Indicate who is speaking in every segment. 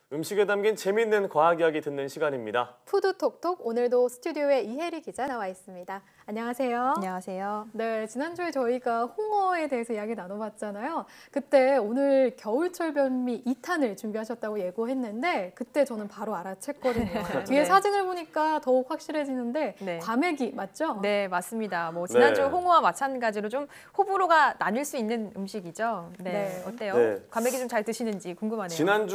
Speaker 1: 음식에 담긴 재미있는 과학 이야기 듣는 시간입니다.
Speaker 2: 푸드톡톡, 오늘도 스튜디오에 이혜리 기자 나와 있습니다. 안녕하세요.
Speaker 3: 안녕하세요.
Speaker 2: 네, 지난주에 저희가 홍어에 대해서 이야기 나눠봤잖아요. 그때 오늘 겨울철 별미 2탄을 준비하셨다고 예고했는데 그때 저는 바로 알아챘거든요. 뒤에
Speaker 3: 네.
Speaker 2: 사진을 보니까 더욱 확실해지는데
Speaker 3: 네.
Speaker 2: 과메기 맞죠?
Speaker 3: 네, 맞습니다. 뭐 지난주
Speaker 1: 네.
Speaker 3: 홍어와 마찬가지로 좀 호불호가 나뉠 수 있는 음식이죠. 네,
Speaker 2: 네.
Speaker 3: 어때요?
Speaker 1: 네.
Speaker 3: 과메기 좀 잘 드시는지 궁금하네요.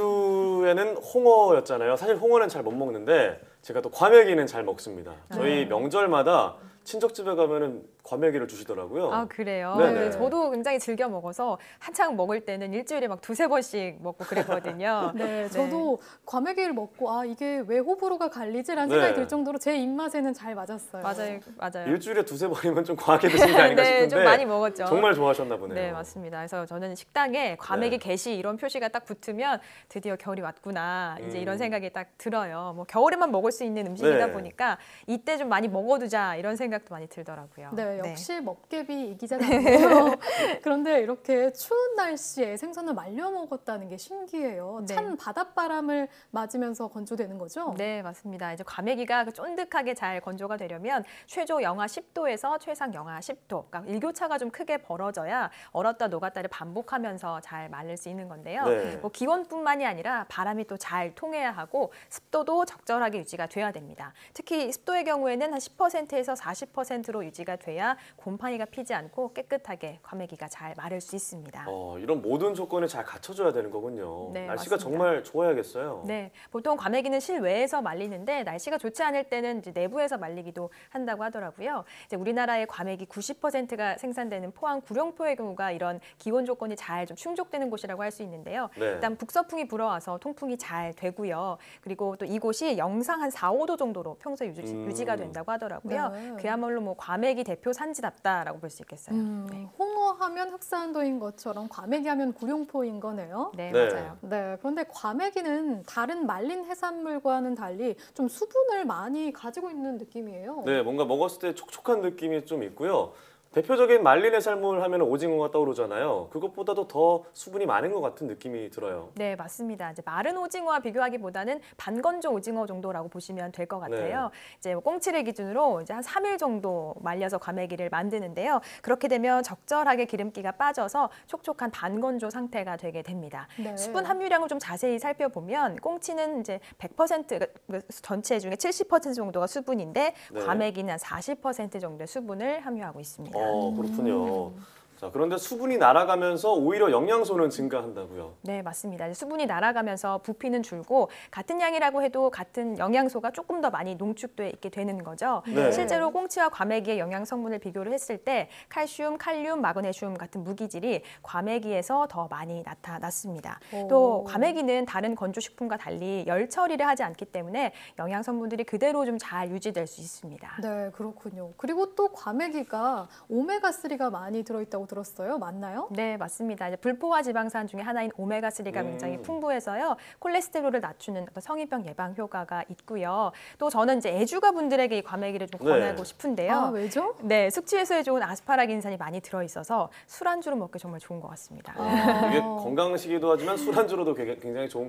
Speaker 1: 지난주에는 홍어였잖아요. 사실 홍어는 잘 못 먹는데 제가 또 과메기는 잘 먹습니다. 저희 명절마다 친척집에 가면은 과메기를 주시더라고요.
Speaker 3: 아, 그래요?
Speaker 1: 네네.
Speaker 3: 네, 저도 굉장히 즐겨 먹어서 한창 먹을 때는 일주일에 막 두세 번씩 먹고 그랬거든요.
Speaker 2: 네, 저도 과메기를 먹고 이게 왜 호불호가 갈리지라는
Speaker 1: 네.
Speaker 2: 생각이 들 정도로 제 입맛에는 잘 맞았어요.
Speaker 3: 맞아요, 맞아요.
Speaker 1: 일주일에 두세 번이면 좀 과하게 드신 게 아닌가
Speaker 3: 네,
Speaker 1: 싶은데
Speaker 3: 좀 많이 먹었죠.
Speaker 1: 정말 좋아하셨나 보네요.
Speaker 3: 네, 맞습니다. 그래서 저는 식당에 과메기
Speaker 1: 네.
Speaker 3: 게시 이런 표시가 딱 붙으면 드디어 겨울이 왔구나. 이제 이런
Speaker 1: 음.
Speaker 3: 생각이 딱 들어요. 뭐 겨울에만 먹을 수 있는 음식이다
Speaker 1: 네.
Speaker 3: 보니까 이때 좀 많이 먹어두자 이런 생각도 많이 들더라고요.
Speaker 2: 네, 역시 먹개비 이 기자님이에요. 그런데 이렇게 추운 날씨에 생선을 말려 먹었다는 게 신기해요.
Speaker 3: 네.
Speaker 2: 찬 바닷바람을 맞으면서 건조되는 거죠?
Speaker 3: 네, 맞습니다. 이제 과메기가 쫀득하게 잘 건조가 되려면 최저 영하 10도에서 최상 영하 10도, 그러니까 일교차가 좀 크게 벌어져야 얼었다 녹았다를 반복하면서 잘 말릴 수 있는 건데요.
Speaker 1: 네.
Speaker 3: 뭐 기온뿐만이 아니라 바람이 또 잘 통해야 하고 습도도 적절하게 유지가 돼야 됩니다. 특히 습도의 경우에는 한 10%에서 40%로 유지가 돼야 곰팡이가 피지 않고 깨끗하게 과메기가 잘 마를 수 있습니다.
Speaker 1: 이런 모든 조건이 잘 갖춰져야 되는 거군요.
Speaker 3: 네,
Speaker 1: 날씨가
Speaker 3: 맞습니다.
Speaker 1: 정말 좋아야겠어요.
Speaker 3: 네, 보통 과메기는 실외에서 말리는데 날씨가 좋지 않을 때는 이제 내부에서 말리기도 한다고 하더라고요. 이제 우리나라의 과메기 90%가 생산되는 포항 구룡포의 경우가 이런 기온 조건이 잘 좀 충족되는 곳이라고 할 수 있는데요.
Speaker 1: 네.
Speaker 3: 일단 북서풍이 불어와서 통풍이 잘 되고요. 그리고 또 이곳이 영상 한 4, 5도 정도로 평소에 유지가 된다고 하더라고요.
Speaker 2: 네.
Speaker 3: 그야말로 뭐 과메기 대표 산지답다라고 볼 수 있겠어요. 네.
Speaker 2: 홍어 하면 흑산도인 것처럼 과메기 하면 구룡포인 거네요.
Speaker 3: 네,
Speaker 1: 네.
Speaker 3: 맞아요.
Speaker 2: 네, 그런데 과메기는 다른 말린 해산물과는 달리 좀 수분을 많이 가지고 있는 느낌이에요.
Speaker 1: 네, 뭔가 먹었을 때 촉촉한 느낌이 좀 있고요. 대표적인 말린 해산물 하면 오징어가 떠오르잖아요. 그것보다도 더 수분이 많은 것 같은 느낌이 들어요.
Speaker 3: 네, 맞습니다. 이제 마른 오징어와 비교하기보다는 반건조 오징어 정도라고 보시면 될 것 같아요.
Speaker 1: 네.
Speaker 3: 이제 뭐 꽁치를 기준으로 이제 한 3일 정도 말려서 과메기를 만드는데요. 그렇게 되면 적절하게 기름기가 빠져서 촉촉한 반건조 상태가 되게 됩니다.
Speaker 2: 네.
Speaker 3: 수분 함유량을 좀 자세히 살펴보면 꽁치는 이제 100% 전체 중에 70% 정도가 수분인데
Speaker 1: 네.
Speaker 3: 과메기는 한 40% 정도의 수분을 함유하고 있습니다.
Speaker 1: 그렇군요. 자, 그런데 수분이 날아가면서 오히려 영양소는 증가한다고요.
Speaker 3: 네, 맞습니다. 수분이 날아가면서 부피는 줄고 같은 양이라고 해도 같은 영양소가 조금 더 많이 농축돼 있게 되는 거죠.
Speaker 1: 네.
Speaker 3: 실제로 꽁치와 과메기의 영양 성분을 비교를 했을 때 칼슘, 칼륨, 마그네슘 같은 무기질이 과메기에서 더 많이 나타났습니다. 또 과메기는 다른 건조식품과 달리 열 처리를 하지 않기 때문에 영양 성분들이 그대로 좀 잘 유지될 수 있습니다.
Speaker 2: 네, 그렇군요. 그리고 또 과메기가 오메가3가 많이 들어있다고 들었어요. 맞나요?
Speaker 3: 네, 맞습니다. 이제 불포화 지방산 중에 하나인 오메가3가 굉장히 풍부해서요. 콜레스테롤을 낮추는 어떤 성인병 예방 효과가 있고요. 또 저는 이제 애주가 분들에게 이 과메기를 좀 권하고 싶은데요.
Speaker 2: 왜죠?
Speaker 3: 네, 숙취 해소에 좋은 아스파라긴산이 많이 들어있어서 술안주로 먹기 정말 좋은 것 같습니다.
Speaker 1: 이게 건강식이기도 하지만 술안주로도 굉장히 좋은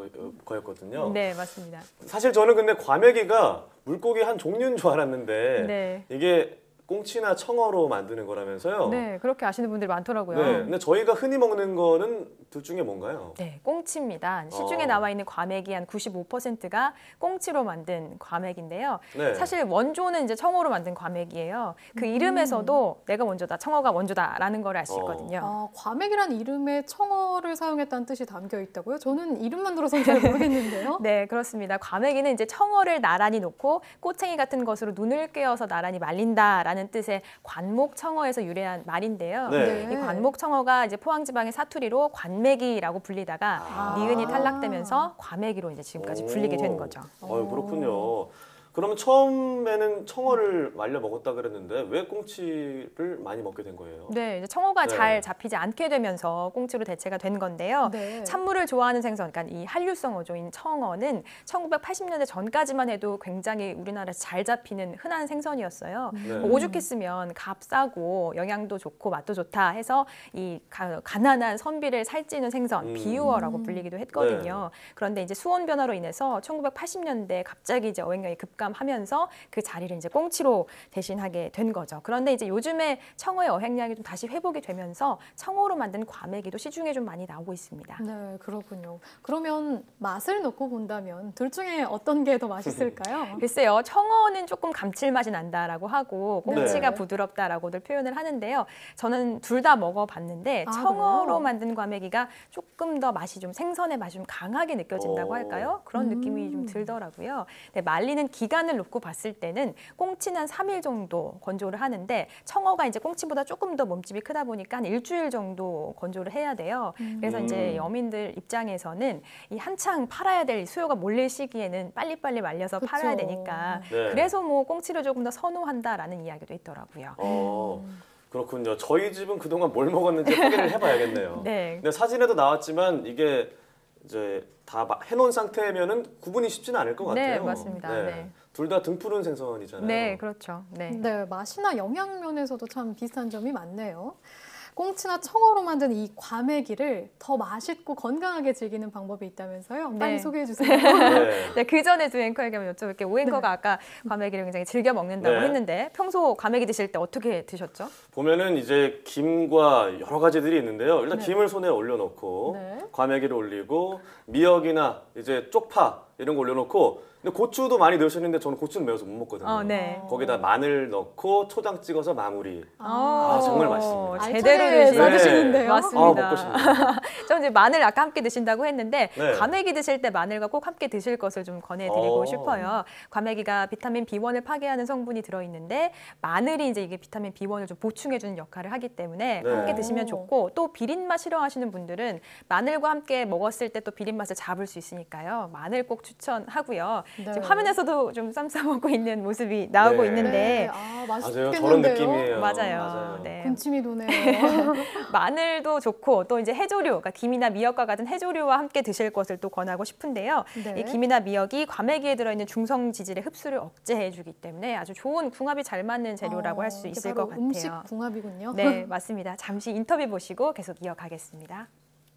Speaker 1: 거였거든요.
Speaker 3: 네, 맞습니다.
Speaker 1: 사실 저는 근데 과메기가 물고기 한 종류인 줄 알았는데
Speaker 3: 네.
Speaker 1: 이게 꽁치나 청어로 만드는 거라면서요?
Speaker 3: 네, 그렇게 아시는 분들이 많더라고요.
Speaker 1: 네, 근데 저희가 흔히 먹는 거는 둘 중에 뭔가요?
Speaker 3: 네, 꽁치입니다. 시중에 나와 있는 과메기 한 95%가 꽁치로 만든 과메기인데요.
Speaker 1: 네.
Speaker 3: 사실 원조는 이제 청어로 만든 과메기예요. 그 이름에서도 내가 원조다, 청어가 원조다라는 걸 알 수 있거든요.
Speaker 2: 과메기란 이름에 청어를 사용했다는 뜻이 담겨 있다고요? 저는 이름만 들어서는 잘 모르겠는데요.
Speaker 3: 네, 그렇습니다. 과메기는 이제 청어를 나란히 놓고 꼬챙이 같은 것으로 눈을 꿰어서 나란히 말린다라는 뜻의 관목청어에서 유래한 말인데요.
Speaker 1: 네.
Speaker 3: 이 관목청어가 이제 포항지방의 사투리로 관메기라고 불리다가 니은이 탈락되면서 과메기로 이제 지금까지 불리게 된 거죠.
Speaker 1: 그렇군요. 그러면 처음에는 청어를 말려 먹었다 그랬는데 왜 꽁치를 많이 먹게 된 거예요?
Speaker 3: 네, 이제 청어가
Speaker 1: 네.
Speaker 3: 잘 잡히지 않게 되면서 꽁치로 대체가 된 건데요.
Speaker 2: 네.
Speaker 3: 찬물을 좋아하는 생선, 그러니까 이 한류성 어종인 청어는 1980년대 전까지만 해도 굉장히 우리나라에서 잘 잡히는 흔한 생선이었어요.
Speaker 1: 네.
Speaker 3: 오죽했으면 값싸고 영양도 좋고 맛도 좋다 해서 이 가난한 선비를 살찌는 생선, 비유어라고 불리기도 했거든요. 그런데 이제 수온 변화로 인해서 1980년대 갑자기 이제 어획량이 급감하면서 그 자리를 이제 꽁치로 대신하게 된 거죠. 그런데 이제 요즘에 청어의 어획량이 좀 다시 회복이 되면서 청어로 만든 과메기도 시중에 좀 많이 나오고 있습니다.
Speaker 2: 네, 그렇군요. 그러면 맛을 놓고 본다면 둘 중에 어떤 게 더 맛있을까요?
Speaker 3: 글쎄요, 청어는 조금 감칠맛이 난다라고 하고 꽁치가
Speaker 2: 네.
Speaker 3: 부드럽다라고들 표현을 하는데요. 저는 둘 다 먹어봤는데
Speaker 2: 아,
Speaker 3: 청어로
Speaker 2: 그래요?
Speaker 3: 만든 과메기가 조금 더 맛이 좀 생선의 맛이 좀 강하게 느껴진다고
Speaker 1: 오.
Speaker 3: 할까요? 그런 느낌이 좀 들더라고요. 네, 말리는 기간을 놓고 봤을 때는 꽁치는 한 3일 정도 건조를 하는데 청어가 이제 꽁치보다 조금 더 몸집이 크다 보니까 한 일주일 정도 건조를 해야 돼요. 그래서 이제 여민들 입장에서는 이 한창 팔아야 될 수요가 몰릴 시기에는 빨리빨리 말려서
Speaker 2: 그쵸.
Speaker 3: 팔아야 되니까
Speaker 1: 네.
Speaker 3: 그래서 뭐 꽁치를 조금 더 선호한다라는 이야기도 있더라고요.
Speaker 1: 그렇군요. 저희 집은 그동안 뭘 먹었는지 확인을 해봐야겠네요.
Speaker 3: 네.
Speaker 1: 근데 사진에도 나왔지만 이게 이제 다 해놓은 상태면은 구분이 쉽지는 않을 것 같아요.
Speaker 3: 네, 맞습니다. 네.
Speaker 1: 둘 다 등푸른 생선이잖아요.
Speaker 3: 네, 그렇죠. 네.
Speaker 2: 네, 맛이나 영양 면에서도 참 비슷한 점이 많네요. 꽁치나 청어로 만든 이 과메기를 더 맛있고 건강하게 즐기는 방법이 있다면서요? 빨리
Speaker 3: 네.
Speaker 2: 소개해 주세요.
Speaker 1: 네.
Speaker 3: 네, 그 전에 두 앵커에게 한번 여쭤볼게요. 오 앵커가 아까 과메기를 굉장히 즐겨 먹는다고
Speaker 1: 네.
Speaker 3: 했는데 평소 과메기 드실 때 어떻게 드셨죠?
Speaker 1: 보면은 이제 김과 여러 가지들이 있는데요. 일단
Speaker 2: 네.
Speaker 1: 김을 손에 올려놓고
Speaker 2: 네.
Speaker 1: 과메기를 올리고 미역이나 이제 쪽파 이런 거 올려놓고 근데 고추도 많이 넣으셨는데 저는 고추는 매워서 못 먹거든요.
Speaker 3: 네.
Speaker 1: 거기다 마늘 넣고 초장 찍어서 마무리.
Speaker 2: 아,
Speaker 1: 정말 맛있습니다.
Speaker 3: 제대로
Speaker 2: 알차게
Speaker 3: 드시네요.
Speaker 2: 싸드시는데요.
Speaker 3: 맞습니다.
Speaker 1: 먹고 싶네요.
Speaker 3: 저는 이제 마늘 아까 함께 드신다고 했는데
Speaker 1: 네.
Speaker 3: 과메기 드실 때 마늘과 꼭 함께 드실 것을 좀 권해드리고
Speaker 1: 어.
Speaker 3: 싶어요. 과메기가 비타민 B1을 파괴하는 성분이 들어있는데 마늘이 이제 이게 비타민 B1을 좀 보충해주는 역할을 하기 때문에
Speaker 1: 네.
Speaker 3: 함께 드시면 좋고 또 비린맛 싫어하시는 분들은 마늘과 함께 먹었을 때 또 비린맛을 잡을 수 있으니까요. 마늘 꼭 추천하고요.
Speaker 2: 네.
Speaker 3: 지금 화면에서도 좀 쌈 싸 먹고 있는 모습이 나오고
Speaker 1: 네.
Speaker 3: 있는데
Speaker 2: 네.
Speaker 1: 맞아요.
Speaker 2: 맛있겠는데요?
Speaker 1: 저런 느낌이에요.
Speaker 3: 맞아요. 네.
Speaker 2: 군침이 도네요.
Speaker 3: 마늘도 좋고 또 이제 해조류, 그러니까 김이나 미역과 같은 해조류와 함께 드실 것을 또 권하고 싶은데요.
Speaker 2: 네.
Speaker 3: 이 김이나 미역이 과메기에 들어있는 중성 지질의 흡수를 억제해주기 때문에 아주 좋은 궁합이 잘 맞는 재료라고 할 수
Speaker 2: 이게
Speaker 3: 있을
Speaker 2: 바로
Speaker 3: 것 같아요.
Speaker 2: 음식 궁합이군요.
Speaker 3: 네, 맞습니다. 잠시 인터뷰 보시고 계속 이어가겠습니다.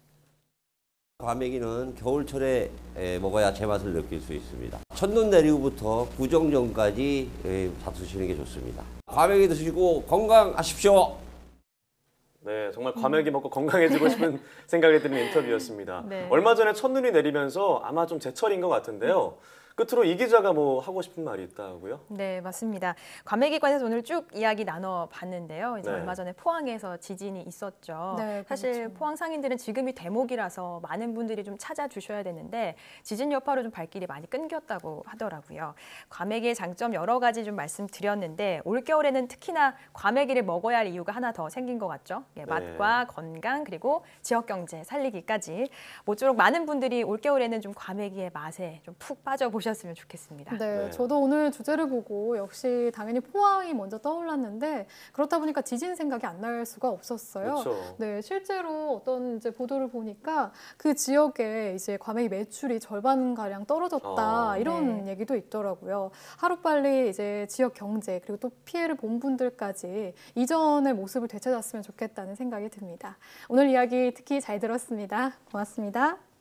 Speaker 4: 과메기는 겨울철에 먹어야 제맛을 느낄 수 있습니다. 첫눈 내리고부터 구정전까지 다투시는 게 좋습니다. 과메기 드시고 건강하십시오.
Speaker 1: 네, 정말 과메기 먹고 건강해지고 싶은 생각이 드는 인터뷰였습니다.
Speaker 3: 네.
Speaker 1: 얼마 전에 첫눈이 내리면서 아마 좀 제철인 것 같은데요. 끝으로 이 기자가 뭐 하고 싶은 말이 있다고요?
Speaker 3: 네, 맞습니다. 과메기에 관해서 오늘 쭉 이야기 나눠봤는데요. 이제
Speaker 1: 네.
Speaker 3: 얼마 전에 포항에서 지진이 있었죠.
Speaker 2: 네,
Speaker 3: 사실
Speaker 2: 그렇죠.
Speaker 3: 포항 상인들은 지금이 대목이라서 많은 분들이 좀 찾아주셔야 되는데 지진 여파로 좀 발길이 많이 끊겼다고 하더라고요. 과메기의 장점 여러 가지 좀 말씀드렸는데 올겨울에는 특히나 과메기를 먹어야 할 이유가 하나 더 생긴 것 같죠. 예, 맛과 건강 그리고 지역 경제 살리기까지 모쪼록 많은 분들이 올겨울에는 좀 과메기의 맛에 좀 푹 빠져보셨으면 좋겠습니다.
Speaker 2: 네,
Speaker 1: 네.
Speaker 2: 저도 오늘 주제를 보고 역시 당연히 포항이 먼저 떠올랐는데 그렇다 보니까 지진 생각이 안 날 수가 없었어요.
Speaker 1: 그렇죠.
Speaker 2: 네, 실제로 어떤 이제 보도를 보니까 그 지역에 이제 과메기 매출이 절반 가량 떨어졌다 이런 얘기도 있더라고요. 하루빨리 이제 지역 경제 그리고 또 피해를 본 분들까지 이전의 모습을 되찾았으면 좋겠다는 생각이 듭니다. 오늘 이야기 특히 잘 들었습니다. 고맙습니다.